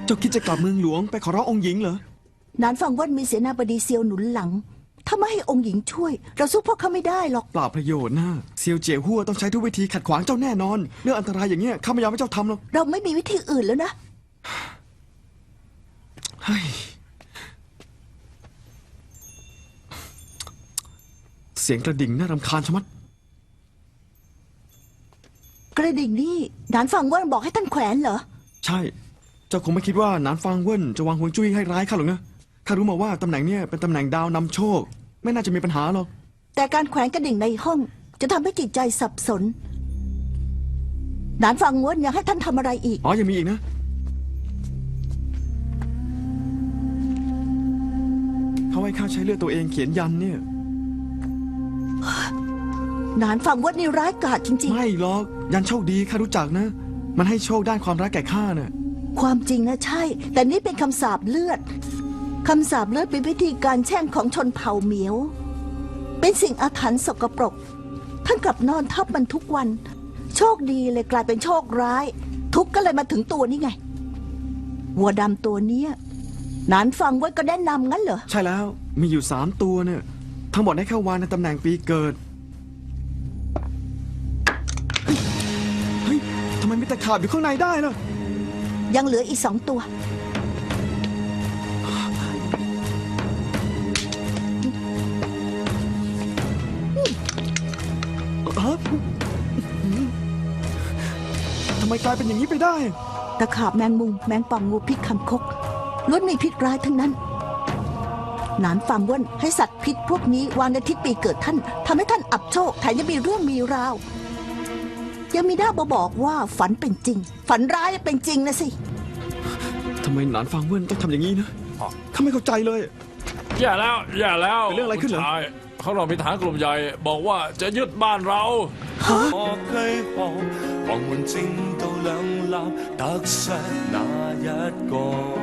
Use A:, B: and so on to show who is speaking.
A: เจ้าคิดจะกลับเมืองหลวงไปขอร้ององค์หญิงเหรอ
B: นานฟังว่ามีเสนาบดีเซียวหนุนหลัง ถ้าไม่ให้องค์หญิงช่วย เราสู้พวกเขาไม่ได้หรอก
A: เปล่าประโยชน์นะเซียวเจี๋ยหัวต้องใช้ทุกวิธีขัดขวางเจ้าแน่นอนเรื่องอันตรายอย่างเงี้ยข้าไม่ยอมให้เจ้าทำหรอก
B: เราไม่มีวิธีอื่นแล้วนะ
A: เฮ้ยเสียงกระดิ่งน่ารำคาญชะมัด
B: กระดิ่งนี่นานฟังว่าบอกให้ท่านแขวนเหรอ
A: ใช่ เจ้าคงไม่คิดว่าหนานฟางเวินจะวางฮวงจุ้ยให้ร้ายข้าหรอกนะข้ารู้มาว่าตำแหน่งเนี่ยเป็นตำแหน่งดาวนำโชค ไม่น่าจะมีปัญหาหรอก
B: แต่การแขวนกระดิ่งในห้องจะทำให้จิตใจสับสนนานฟังว่าอยากให้ท่านทำอะไรอีก
A: อ๋อยังมีอีกนะเขาให้ข้าใช้เลือดตัวเองเขียนยันเนี่ย
B: นานฟังว่านี่ร้ายกาจจริง
A: ไม่หรอกยันโชคดีข้ารู้จักนะ มันให้โชคด้านความรักแก่ข้าน่ะ
B: ๆ ความจริงนะใช่ แต่นี่เป็นคำสาปเลือดคำสาปเลือดเป็นพิธีการแช่งของชนเผ่าเหมียว เป็นสิ่งอาถรรพ์สกปรก ท่านกลับนอนทับมันทุกวัน โชคดีเลยกลายเป็นโชคร้าย ทุกข์ก็เลยมาถึงตัวนี่ไงวัวดำตัวเนี้ยนานฟังไว้ก็แนะนำงั้นเหรอ
A: ใช่แล้วมีอยู่3 ตัวเนี่ยทั้งหมดได้เข้าวางในตำแหน่งปีเกิดเฮ้ยทำไมมีแต่ขาบอยู่ข้างในได้ล่ะ
B: ยังเหลืออีก2 ตัว
A: ฮะทำไมกลายเป็นอย่างนี้ไปได้
B: ตะขาบแมงมุมแมงป่องงูพิษคำคกล้วนมีพิษร้ายทั้งนั้นหนานฟังว่นให้สัตว์พิษพวกนี้วางในทิศปีเกิดท่านทำให้ท่านอับโชคแถมยังมีเรื่องมีราว ยังมีหน้าบอกว่าฝันเป็นจริง ฝันร้ายเป็นจริงนะสิ
A: ทำไมหนานฟางเวินต้องทำอย่างนี้นะข้าไม่เข้าใจเลย
C: อย่าแล้วอย่าแล้ว
A: เป็นเรื่องอะไรขึ้นเหรอ
C: ผู้ชายเขาเรามีทหารกลุ่มใหญ่บอกว่าจะยึดบ้านเรา
D: 我居步，旁門正到兩立，得失那一個。